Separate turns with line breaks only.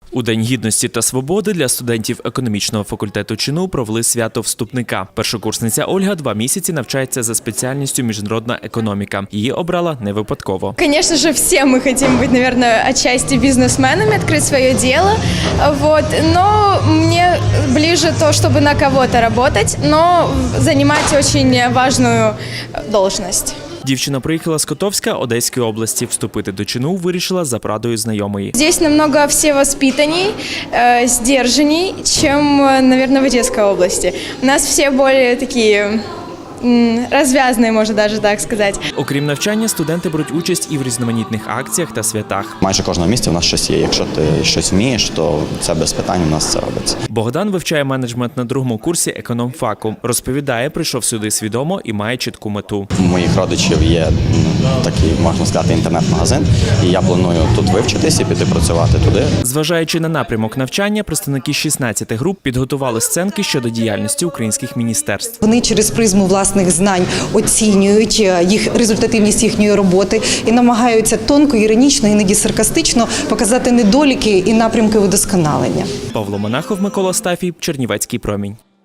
У День гідності та свободи для студентів економічного факультету ЧНУ провели свято вступника. Першокурсниця Ольга 2 місяці навчається за спеціальністю міжнародна економіка. Її обрала не випадково.
Конечно же, все мы хотим быть, наверное, отчасти бизнесменами, открыть свое дело. Но мне ближе то, чтобы на кого-то работать, но занимать очень важную должность.
Дівчина приїхала з Котовська Одеської області. Вступити до ЧНУ вирішила за порадою знайомої.
Здесь намного все воспитанней, сдержанней, чем, наверное, в Одесской области. У нас все более такие розв'язані, можна навіть так сказати.
Окрім навчання, студенти беруть участь і в різноманітних акціях та святах.
Майже кожного місця в нас щось є. Якщо ти щось вмієш, то це без питань у нас це робиться.
Богдан вивчає менеджмент на 2-му курсі економфаку. Розповідає, прийшов сюди свідомо і має чітку мету.
У моїх родичів є такий, можна сказати, інтернет-магазин, і я планую тут вивчитись і піти працювати туди.
Зважаючи на напрямок навчання, представники 16 груп підготували сценки щодо діяльності українських міністерств.
Вони через призму власних знань оцінюють результативність їхньої роботи і намагаються тонко, іронічно, іноді саркастично показати недоліки і напрямки удосконалення.
Павло Монахов, Микола Стафій, Чернівецький промінь.